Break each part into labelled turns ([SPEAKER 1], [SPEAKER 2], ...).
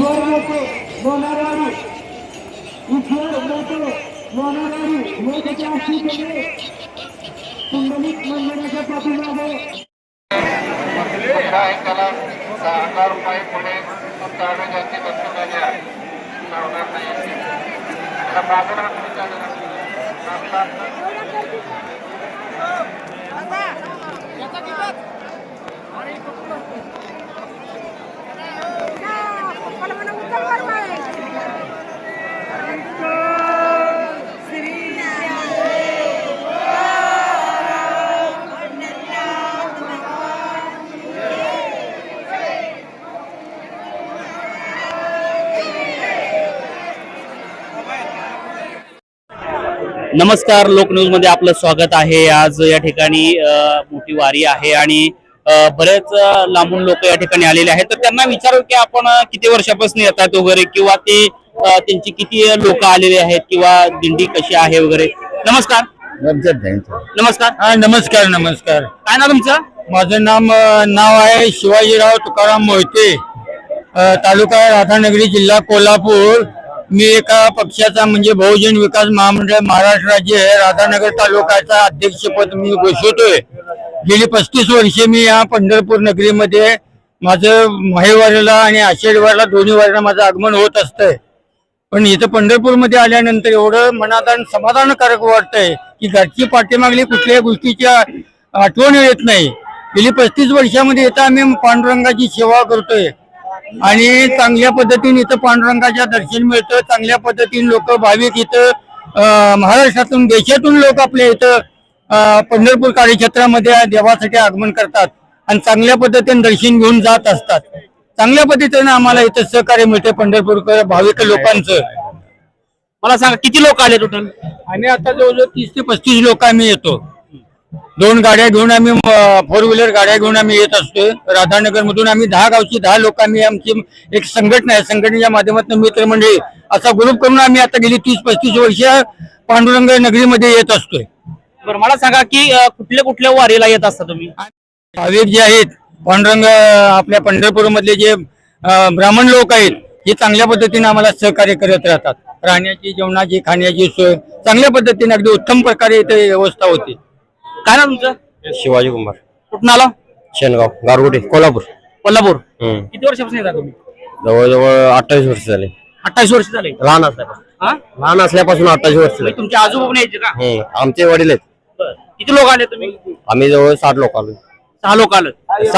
[SPEAKER 1] ईश्वर मोठे लोणारवाडी, ईश्वर मोठे लोणारवाडी मोठ्याच्या आशीर्वादाने पुंडलिक मंदिराच्या पाठीमागे
[SPEAKER 2] त्याला 10,000 रुपये पुढे जाती बसवलेल्या लावणार नाही.
[SPEAKER 3] नमस्कार, लोकन्यूज मध्ये आपलं स्वागत आहे. आज या ठिकाणी मोठी वारी आहे आणि बरेच लांबून लोक या ठिकाणी आलेले आहेत. तर त्यांना विचारू की आपण किती वर्षापासून येतात वगैरे, किंवा ते त्यांची किती लोक आलेले आहेत, किंवा दिंडी कशी आहे वगैरे. नमस्कार. नमस्कार.
[SPEAKER 4] हा, नमस्कार. नमस्कार.
[SPEAKER 3] काय नाव तुमचं?
[SPEAKER 4] माझं नाव आहे शिवाजीराव तुकाराम मोहिते, तालुका राधानगरी, जिल्हा कोल्हापूर. मी एका पक्षाचा म्हणजे बहुजन विकास महामंडळ महाराष्ट्र राज्य राधानगर तालुक्याचा अध्यक्षपद मी घोषवतोय. गेली 35 वर्षे मी या पंढरपूर नगरीमध्ये माझं माहेवारीला आणि आषाढीवारीला दोन्ही वारीला माझं आगमन होत असतंय. पण इथं पंढरपूरमध्ये आल्यानंतर एवढं मनात समाधानकारक वाटतंय की घरची पाठीमागली कुठल्याही गोष्टीची आठवण येत नाही. गेली 35 वर्षामध्ये इथं आम्ही पांडुरंगाची सेवा करतोय आणि चांगल्या पद्धतीने इथं पांडुरंगाच्या दर्शन मिळतं. चांगल्या पद्धतीने लोक भाविक इथं महाराष्ट्रातून देशातून लोक आपल्या इथं पंढरपूर कार्यक्षेत्रामध्ये देवासाठी आगमन करतात आणि चांगल्या पद्धतीने दर्शन घेऊन जात असतात. चांगल्या पद्धतीने आम्हाला इथं सहकार्य मिळते पंढरपूर भाविक लोकांचं.
[SPEAKER 3] मला सांगा किती लोक आले टोटल?
[SPEAKER 4] आणि आता जवळजवळ 30 ते 35 लोक आम्ही येतो. 2 गाड्या घेऊन आम्ही 4 व्हीलर गाड्या घेऊन आम्ही येत असतो. राधानगर मधून आम्ही 10 गावची 10 लोक आम्ही आमची एक संघटना आहे. संघटनेच्या माध्यमातून मित्रमंडळी असा ग्रुप करून आम्ही आता गेली 30-35 वर्ष पांडुरंग नगरीमध्ये येत असतोय.
[SPEAKER 3] बरं, मला सांगा की कुठल्या कुठल्या वारीला येत असता तुम्ही?
[SPEAKER 4] भाविक जे आहेत पांडुरंग आपल्या पंढरपूर मधले जे ब्राह्मण लोक आहेत हे चांगल्या पद्धतीने आम्हाला सहकार्य करत राहतात. राहण्याची, जेवणाची, खाण्याची सोय चांगल्या पद्धतीने अगदी उत्तम प्रकारे इथे व्यवस्था होती.
[SPEAKER 3] काय ना तुमचं?
[SPEAKER 5] शिवाजी कुमार.
[SPEAKER 3] कुठून आला?
[SPEAKER 5] शेनगाव, गारगोटी, कोल्हापूर.
[SPEAKER 3] कोल्हापूर. किती वर्षापासून येतात तुम्ही?
[SPEAKER 5] जवळजवळ 28 वर्ष झाले.
[SPEAKER 3] 28 वर्ष झाले.
[SPEAKER 5] लहान असल्यापासून
[SPEAKER 3] हा?
[SPEAKER 5] लहान असल्यापासून 28 वर्ष झाले.
[SPEAKER 3] तुमचे आजोबा पण यायचे का?
[SPEAKER 5] आमचे वडील आहेत.
[SPEAKER 3] किती लोक आले तुम्ही?
[SPEAKER 5] आम्ही जवळ 60 लोक आलो.
[SPEAKER 3] 6 लोक आले.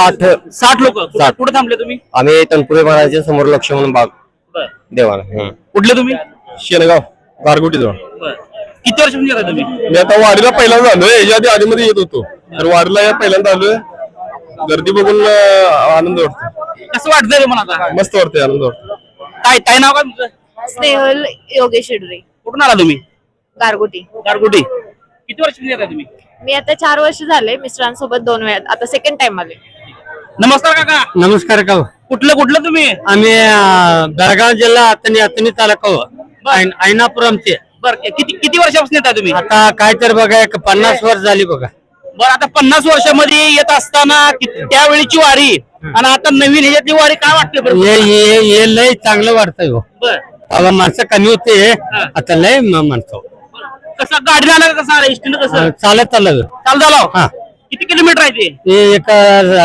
[SPEAKER 5] 60
[SPEAKER 3] लोक. कुठे थांबले तुम्ही?
[SPEAKER 5] आम्ही तनपुरे महाराजांच्या समोर लक्ष्मण बाग देवाला.
[SPEAKER 3] कुठले तुम्ही?
[SPEAKER 5] शेनगाव, गारगोटी जवळ.
[SPEAKER 3] किती वर्षापासून येतात तुम्ही?
[SPEAKER 6] मी आता वारीला पहिल्यांदा आलोय. याच्या आधी आधीमध्ये येत होतो, तर वारीला या पहिल्यांदा आलोय. गर्दी बघून आनंद वाटतो.
[SPEAKER 3] कसं वाटतंय मला आता?
[SPEAKER 6] मस्त वाटतंय, आनंद वाटतो.
[SPEAKER 3] काय नाव काय तुमचं?
[SPEAKER 7] स्नेहल योगेश शेडरे.
[SPEAKER 3] कुठून आला तुम्ही?
[SPEAKER 7] गारगोटी.
[SPEAKER 3] गारगोटी. किती वर्षापासून येतात तुम्ही?
[SPEAKER 7] मी आता 4 वर्ष झाले. मिस्टरांसोबत 2 वेळा, आता सेकंड टाइम आले.
[SPEAKER 3] नमस्कार काका.
[SPEAKER 4] नमस्कार. का
[SPEAKER 3] कुठलं तुम्ही?
[SPEAKER 4] आम्ही बेळगाव जिल्हा अतनी तालुका ऐनापुरमचे.
[SPEAKER 3] बर, किती वर्षापासून येतात तुम्ही?
[SPEAKER 4] आता काय तर बघा 50 वर्ष झाली बघा.
[SPEAKER 3] बरं, आता 50 वर्षामध्ये येत असताना त्यावेळीची वारी आणि आता नवीन ह्याच्यातली वारी काय वाटते बरं?
[SPEAKER 4] हे लय चांगलं वाटतंय हो.
[SPEAKER 3] बर,
[SPEAKER 4] माणसं कमी होते, आता लय माणसं.
[SPEAKER 3] कसं गाडी आला कसं आलं? इष्टीनं कसं
[SPEAKER 4] चालत
[SPEAKER 3] चाल झालं?
[SPEAKER 4] हा.
[SPEAKER 3] किती किलोमीटर आहे ते?
[SPEAKER 4] ते एक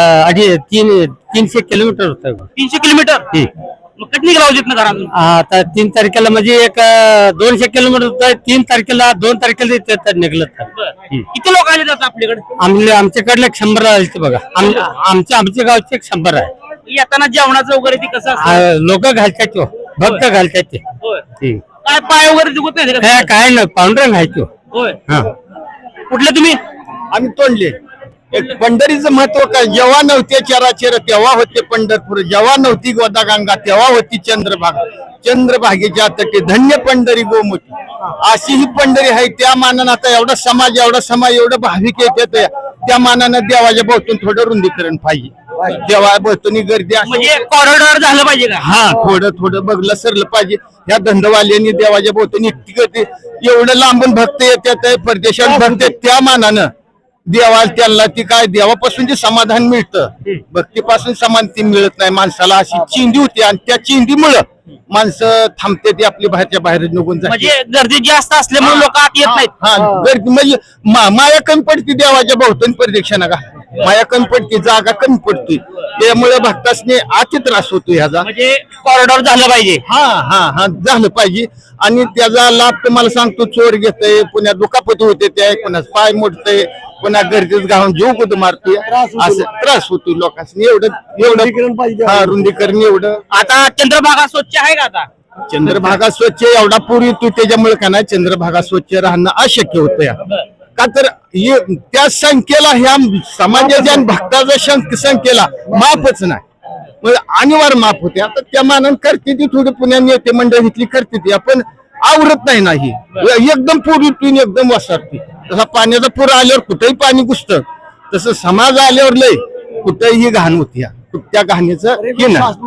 [SPEAKER 4] 300 किलोमीटर होत.
[SPEAKER 3] 300 किलोमीटर. मग कधी निघाला होती घरातून?
[SPEAKER 4] आता 3 तारखेला म्हणजे एक 200 किलोमीटर होत. 3 तारखेला 2 तारखेला निघलं.
[SPEAKER 3] किती लोक आले जातात आपल्याकडे?
[SPEAKER 4] आमच्याकडले 100 आले बघा. आमच्या गावचे 100 आहे.
[SPEAKER 3] येताना जेवणाचं वगैरे ते कसं
[SPEAKER 4] लोक घालतात, भक्त घालतात ते.
[SPEAKER 3] काय पाय वगैरे दुखत नाही का?
[SPEAKER 4] काय नाही, पांढरं घालतो.
[SPEAKER 3] होय. कुठले तुम्ही?
[SPEAKER 6] आम्ही तोंडले. एक पंढरीचं महत्व काय? जेव्हा नव्हते चराचर तेव्हा होते पंढरपूर. जेव्हा नव्हती गोदागंगा तेव्हा होती चंद्रभागा. चंद्रभागेच्या तटे धन्य पंढरी गोमुती. अशी ही पंढरी आहे. त्या मानानं आता एवढा समाज एवढं भाविक येतात, त्या मानानं देवाच्या भोवतून थोडं रुंदीकरण पाहिजे. देवा भोवतून गर्दी
[SPEAKER 3] म्हणजे कॉरिडॉर झालं पाहिजे का?
[SPEAKER 6] हा, थोडं बघलं सरलं पाहिजे. ह्या धंदवाल्यांनी देवाच्या भोवतून इतकी गर्दी, एवढं लांबून भक्त येतात, परदेशात भक्त, त्या मानानं देवा त्यांना ती काय देवापासून जे समाधान मिळतं भक्तीपासून समाधान मिळत नाही माणसाला. अशी चिंधी होती आणि त्या चिंधीमुळं माणसं थांबते ती आपली बाहेरच्या बाहेर निघून जाते.
[SPEAKER 3] म्हणजे गर्दी जास्त असल्यामुळे लोक आत येत नाहीत.
[SPEAKER 6] हा गर्दी म्हणजे माया कमी पडते देवाच्या भोवतणी प्रदक्षिणा का माया कमी पडते जागा कमी पडते त्यामुळे भक्तासने अति त्रास होतो ह्याचा.
[SPEAKER 3] म्हणजे कॉरिडॉर झालं पाहिजे.
[SPEAKER 6] हा हा हा झालं पाहिजे आणि त्याचा लाभ तुम्हाला सांगतो चोर घेतय पुन्हा दुखापती होते त्या पुन्हा पाय मोडतय पुन्हा गर्दीत घालून जीव कुठं मारतोय असं त्रास होतो लोकांनी. एवढं हा रुंदीकरण एवढं.
[SPEAKER 3] आता चंद्रभागा स्वच्छ आहे का आता?
[SPEAKER 6] चंद्रभागा स्वच्छ एवढा पूर्वी तू त्याच्यामुळे का नाही चंद्रभागा स्वच्छ राहणं अशक्य होतं या का तर त्या संख्येला ह्या समाजाच्या आणि भक्ताच्या संख्येला माफच नाही म्हणजे अनिवार्य माफ होते. आता त्या मानानं करते ती थोडी पुण्या नेते मंडळ इथली करते ती आपण आवरत नाही नाही एकदम पूर्वी पिऊन एकदम वसारते. तसा पाण्याचा पूर आल्यावर कुठेही पाणी घुसतं तसं समाज आल्यावर लय कुठेही घाण होती त्या घाणीचं हे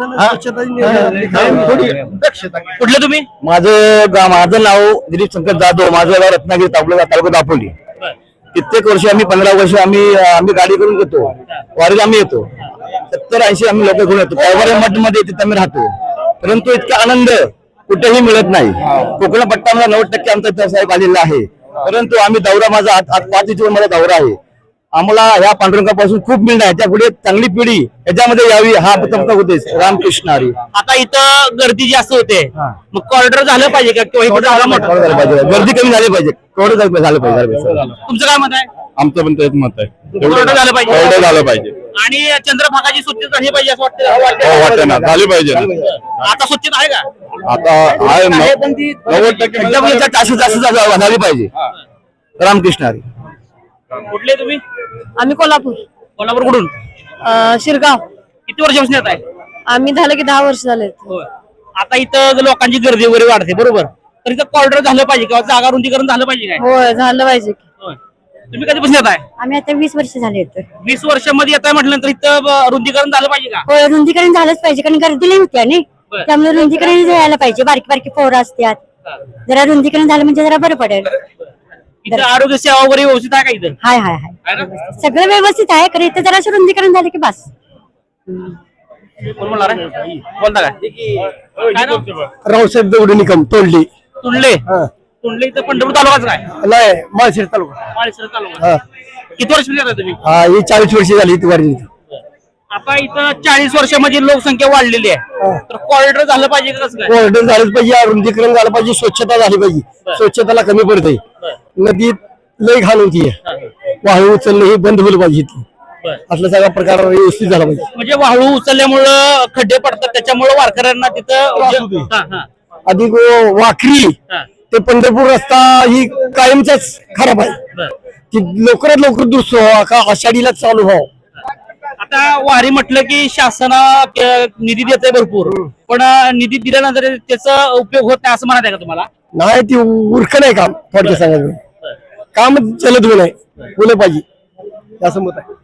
[SPEAKER 6] थोडी दक्षता.
[SPEAKER 3] कुठले तुम्ही?
[SPEAKER 5] माझं नाव दिलीप शंकर जाधव. माझं गाव रत्नागिरी तालुका दापोली. कित्येक वर्ष आम्ही 15 वर्ष आम्ही गाडी करून घेतो वारीला आम्ही येतो. 70-80 आम्ही लोक घेऊन येतो. त्यावर मठ मध्ये तिथे आम्ही राहतो. परंतु इतका आनंद कुठेही मिळत नाही. कोकण पट्टा 90% आमचा इतिहास आलेला आहे. परंतु आम्ही दौरा माझा आज 5 दिवस माझा दौरा आहे. आम्हाला ह्या पांडुरंगापासून खूप मिळणार आहे. त्यापुढे चांगली पिढी याच्यामध्ये यावी हा प्रथमता उद्देश. रामकृष्ण हरी.
[SPEAKER 3] आता इथं गर्दी जास्त होते मग कॉरिडॉर झालं पाहिजे का किंवा इकडे झालं मोठं
[SPEAKER 5] झालं पाहिजे गर्दी कमी झाली पाहिजे. केवढं झालं पाहिजे.
[SPEAKER 3] तुमचं काय मत आहे?
[SPEAKER 8] आमचं पण तेच मत आहे
[SPEAKER 3] कॉरिडॉर झालं पाहिजे.
[SPEAKER 8] एवढं झालं पाहिजे
[SPEAKER 3] आणि चंद्रभागाची स्वच्छता झाली पाहिजे असं
[SPEAKER 8] हो
[SPEAKER 3] वाटतं.
[SPEAKER 8] वाटतं ना झाली पाहिजे ना.
[SPEAKER 3] आता स्वच्छता आहे का?
[SPEAKER 8] आता आहे 90%
[SPEAKER 5] एकदम जास्त झाली पाहिजे. रामकृष्ण हरी.
[SPEAKER 3] कुठले तुम्ही?
[SPEAKER 7] आम्ही कोल्हापूर.
[SPEAKER 3] कोल्हापूर कुठून?
[SPEAKER 7] शिरगाव.
[SPEAKER 3] किती वर्षापासून येत आहे?
[SPEAKER 7] आम्ही झालं की 10 वर्ष झाले.
[SPEAKER 3] आता इथं लोकांची गर्दी वगैरे वाढते बरोबर तर इथं कॉरिडॉर झालं पाहिजे किंवा जागा रुंदीकरण झालं पाहिजे काय?
[SPEAKER 7] होय झालं पाहिजे.
[SPEAKER 3] होय. तुम्ही कधीपासून येत आहे?
[SPEAKER 9] आम्ही आता 20 वर्ष झाले येतोय.
[SPEAKER 3] 20 वर्षामध्ये येत आहे म्हटल्यानंतर इथं रुंदीकरण झालं पाहिजे का?
[SPEAKER 9] होय रुंदीकरण झालंच पाहिजे कारण गर्दी लई होती आणि
[SPEAKER 3] बरं.
[SPEAKER 9] त्यामुळे रुंदीकरण झालं पाहिजे. बारकी बारकी पोरं असतात जरा रुंदीकरण झालं म्हणजे जरा बरं पडेल.
[SPEAKER 3] इथं आरोग्य सेवा वगैरे व्यवस्थित आहे का इथं?
[SPEAKER 9] हाय हाय हाय
[SPEAKER 3] आहे ना?
[SPEAKER 9] सगळं व्यवस्थित आहे कारण इथं जरा रुंदीकरण झालं की बस.
[SPEAKER 3] कोण बोलणार आहे? बोलता काय? काय नाव?
[SPEAKER 6] रावसाहेब दौड निकम तोडली
[SPEAKER 3] तुंडले. तुंडले इथं पंढरपूर तालुकाच काय?
[SPEAKER 6] लय माळशिर तालुका.
[SPEAKER 3] माळशिरस तालुका. किती वर्ष येत आहे तुम्ही?
[SPEAKER 6] हा ही 40 वर्ष झाली ती वारी.
[SPEAKER 3] आता इथं 40 वर्षामध्ये लोकसंख्या वाढलेली आहे तर कॉरिडॉर झालं पाहिजे का कसं काय?
[SPEAKER 6] कॉरिडॉर झालंच पाहिजे रुंदीकरण झालं पाहिजे स्वच्छता झाली पाहिजे. स्वच्छताला कमी पडते. नदीत लय घाण होती वाळू उचलणं हे बंद होईल पाहिजे. असला सगळा प्रकार व्यवस्थित झाला पाहिजे.
[SPEAKER 3] म्हणजे वाळू उचलल्यामुळं खड्डे पडतात त्याच्यामुळे वारकऱ्यांना तिथं
[SPEAKER 6] अधिक वाखरी ते पंढरपूर रस्ता ही कायमचाच खराब आहे. की लवकरात लवकर दुरुस्त व्हावा का आषाढीला चालू व्हावं.
[SPEAKER 3] आता वारी म्हटलं की शासन निधी देत आहे भरपूर पण निधी दिल्यानंतर त्याचा उपयोग होत नाही असं म्हणत आहे का तुम्हाला?
[SPEAKER 6] नाही ती उरक नाही काम थोडक्यात सांगायचं काम चलत होऊ नये बोल पाहिजे असं मत आहे.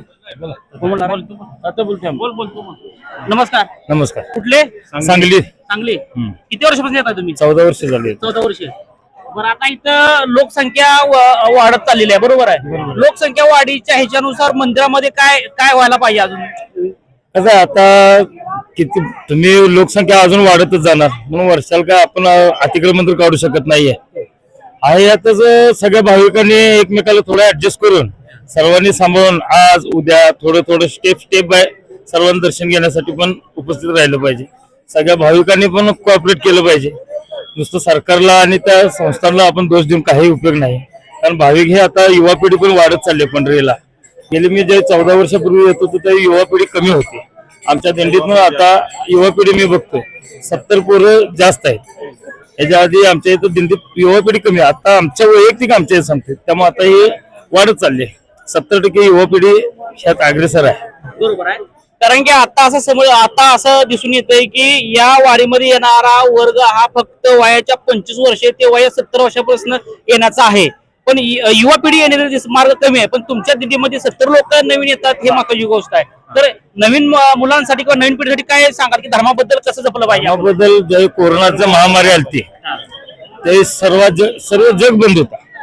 [SPEAKER 3] नमस्कार.
[SPEAKER 8] नमस्कार.
[SPEAKER 3] कुठले?
[SPEAKER 8] सांगली.
[SPEAKER 3] चांगली. किती वर्षापासून येतात तुम्ही?
[SPEAKER 8] 14 वर्ष झाली.
[SPEAKER 3] 14 वर्ष. बरं आता इथं लोकसंख्या वाढत चाललेली आहे बरोबर आहे. लोकसंख्या वाढीच्या ह्याच्यानुसार मंदिरामध्ये काय काय व्हायला पाहिजे अजून?
[SPEAKER 8] कसं आहे, आता किती तुम्ही लोकसंख्या अजून वाढतच जाणार म्हणून वर्षाला काय आपण अतिक्रमण तर काढू शकत नाहीये. आहे यातच सगळ्या भाविकांनी एकमेकाला थोडं ऍडजस्ट करून सर्वांनी सांभाळून आज उद्या थोडं स्टेप बाय सर्वांना दर्शन घेण्यासाठी पण उपस्थित राहिलं पाहिजे. सगळ्या भाविकांनी पण कोऑपरेट केलं पाहिजे. नुसतं सरकारला आणि त्या संस्थांना आपण दोष देऊन काही उपयोग नाही. कारण भाविक हे आता युवा पिढी पण वाढत चालली पंढरीला. गेली मी जे 14 वर्षापूर्वी येत होतो त्या युवा पिढी कमी होती. आमच्या दिंडीत आता युवा पिढी मी बघतोय 70 पोरं जास्त आहेत. याच्या आधी आमच्या इथं दिंडीत युवा पिढी कमी. आता आमच्या वैयक्तिक आमच्या सांगते त्यामुळे आता हे वाढत चालले. 70% युवा पिढी ह्यात अग्रेसर आहे.
[SPEAKER 3] बरोबर आहे. कारण की आता असं दिसून येतंय की या वारीमध्ये येणारा वर्ग हा फक्त वयाच्या 25 वर्ष ते वया 70 वर्षापासून येण्याचा आहे. पण युवा पिढी येण्याचा मार्ग कमी आहे. पण तुमच्या दिंडीमध्ये 70 लोक नवीन येतात हे महत्वाची गोष्ट आहे. तर नवीन मुलांसाठी किंवा नवीन पिढीसाठी काय सांगाल की धर्माबद्दल कसं जपलं पाहिजे?
[SPEAKER 8] धर्माबद्दल जे कोरोनाचं महामारी आलती ते सर्व जग बंद होता.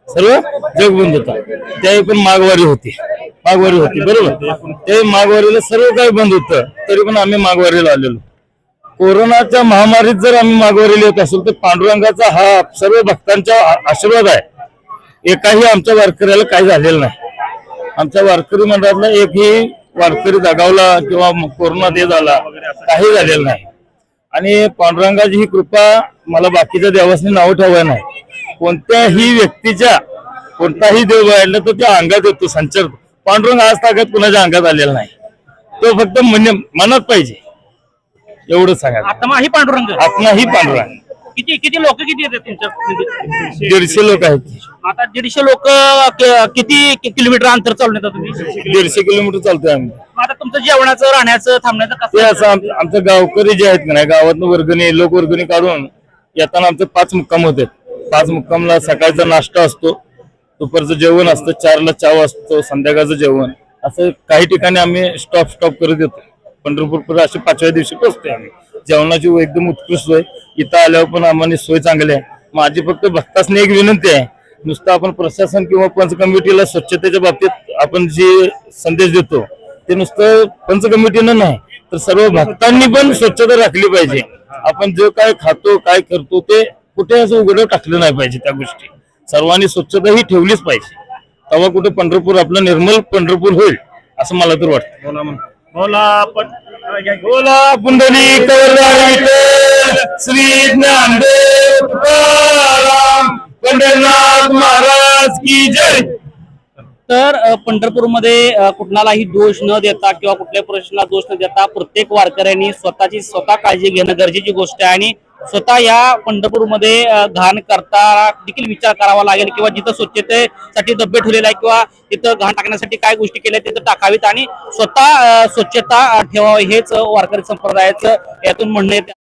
[SPEAKER 8] सर्व जग बंद होतं. त्यावेळी पण माघवारी होती बरोबर. ते माघवारीला सर्व काही बंद होतं, तरी पण आम्ही माघवारीला आलेलो. कोरोनाच्या महामारीत जर आम्ही माघवारीला येत असेल तर पांडुरंगाचा हा सर्व भक्तांचा आशीर्वाद आहे. एकाही आमच्या वारकऱ्याला काही झालेलं नाही. आमच्या वारकरी मंडळातला एकही वारकरी दगावला किंवा कोरोना ते झाला काही झालेलं नाही. आणि पांडुरंगाची ही कृपा मला बाकीच्या देवासनी नाव ठेवायला नाही. कोणत्याही व्यक्तीच्या कोणताही देव बघितला तर त्या अंगात येतो, संचार. पांडुरंग आज ताकद कुणाच्या अंगात आलेला नाही. तो फक्त मनात पाहिजे एवढं सांगा.
[SPEAKER 3] आत्मा ही पांडुरंग.
[SPEAKER 8] आत्मा ही पांडुरंग.
[SPEAKER 3] किती लोक किती येतात तुमच्या?
[SPEAKER 8] 150 लोक आहेत.
[SPEAKER 3] आता 150 लोक किती किलोमीटर अंतर चालून येतात तुम्ही?
[SPEAKER 8] 150 किलोमीटर चालतोय आम्ही.
[SPEAKER 3] आता तुमचं जेवणाचं राहण्याचं थांबण्याचं
[SPEAKER 8] ते
[SPEAKER 3] कसं?
[SPEAKER 8] असं आमचं गावकरी जे आहेत का नाही, गावातनं वर्गणी लोकवर्गणी काढून येताना आमचे 5 मुक्काम होते. 5 मुक्कामला सकाळचा नाश्ता असतो, दुपारचं जेवण असतं, 4ला चहा असतो, संध्याकाळचं जेवण. असं काही ठिकाणी आम्ही स्टॉप करत येतो. पंढरपूर अशी 5व्या दिवशी पोहोचतोय आम्ही. जेवणाची एकदम उत्कृष्ट सोय. इथं आल्यावर पण आम्हाला सोय चांगली आहे. माझी फक्त भक्तासनी एक विनंती आहे, नुसतं आपण प्रशासन किंवा पंच कमिटीला स्वच्छतेच्या बाबतीत आपण जे संदेश देतो ते नुसतं पंच कमिटीनं नाही तर सर्व भक्तांनी पण स्वच्छता राखली पाहिजे. आपण जो काय खातो काय करतो ते कुठे असं उघडं टाकलं नाही पाहिजे. त्या गोष्टी सर्वांनी स्वच्छता ही ठेवलीच पाहिजे. तेव्हा कुठे पंढरपूर आपलं निर्मल पंढरपूर होईल असं मला तर वाटतं. बोला पुंडलिक श्री ज्ञानदेव तुकाराम पंढरनाथ महाराज की जय.
[SPEAKER 3] तर पंढरपूरमध्ये कुणालाही दोष न देता किंवा कुठल्याही प्रश्नाला दोष न देता प्रत्येक वारकऱ्यांनी स्वतः काळजी घेणं गरजेची गोष्ट आहे. आणि स्वतः या पंढरपूरमध्ये घाण करता देखील विचार करावा लागेल किंवा जिथं स्वच्छतेसाठी डबे ठेवलेले आहे किंवा तिथं घाण टाकण्यासाठी काय गोष्टी केल्या तिथं टाकावीत आणि स्वतः स्वच्छता ठेवावी हेच वारकरी संप्रदायाचं यातून म्हणणं येते.